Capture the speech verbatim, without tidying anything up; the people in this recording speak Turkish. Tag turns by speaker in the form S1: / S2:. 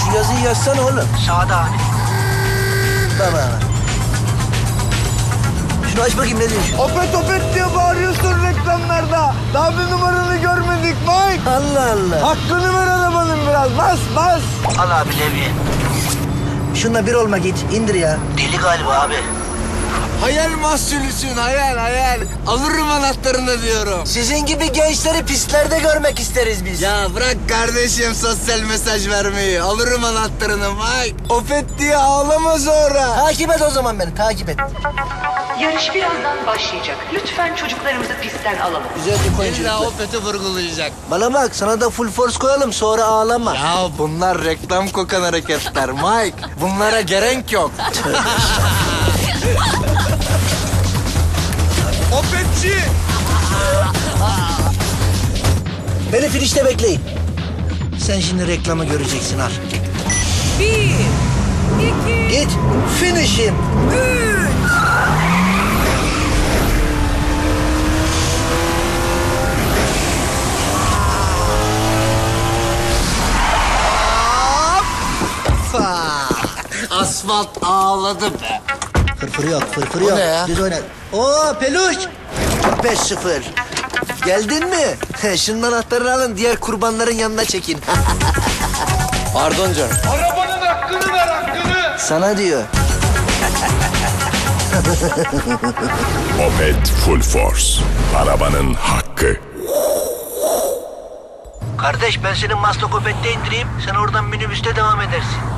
S1: Şu yazıyı yazsana oğlum.
S2: Sağda abi.
S1: Baba. Şunu aç bakayım ne diyor?
S3: Opet opet diye bağırıyorsun reklamlarda. Daha bir numaranı görmedik Mike.
S1: Allah Allah.
S3: Hakkını ver arabanın biraz. Bas bas.
S2: Al abi levye.
S1: Şunla bir olma git. İndir ya.
S2: Deli galiba abi.
S3: Hayal mahsulüsün hayal hayal. Alırım anahtarını diyorum.
S1: Sizin gibi gençleri pistlerde görmek isteriz biz.
S3: Ya bırak kardeşim sosyal mesaj vermeyi. Alırım anahtarını Mike. Opet diye ağlama sonra.
S1: Takip et o zaman beni. Takip et.
S4: Yarış birazdan başlayacak. Lütfen çocuklarımızı pistten alalım.
S1: Güzel bir koyun
S3: İlla
S1: çocuklar.
S3: Opet'i vurgulayacak.
S1: Bana bak sana da full force koyalım sonra ağlama.
S3: Ya bunlar reklam kokan hareketler Mike. Bunlara gerek yok. Opetçi.
S1: Beni finişte bekleyin. Sen şimdi reklamı göreceksin al.
S5: Bir, iki,
S1: Git. Finish'im.
S5: üç.
S3: Asfalt ağladı be.
S1: Fırfır yok, fırfır yok.
S3: ne ya?
S1: Düz oyna. Oo peluş. beş sıfır. Geldin mi? Şunun anahtarını alın, diğer kurbanların yanına çekin.
S3: Pardon canım.
S6: Arabanın hakkını ver hakkını.
S1: Sana diyor.
S7: Opet Full Force. Arabanın hakkı.
S2: Kardeş ben senin Maslak Opet'te indireyim. Sen oradan minibüste devam edersin.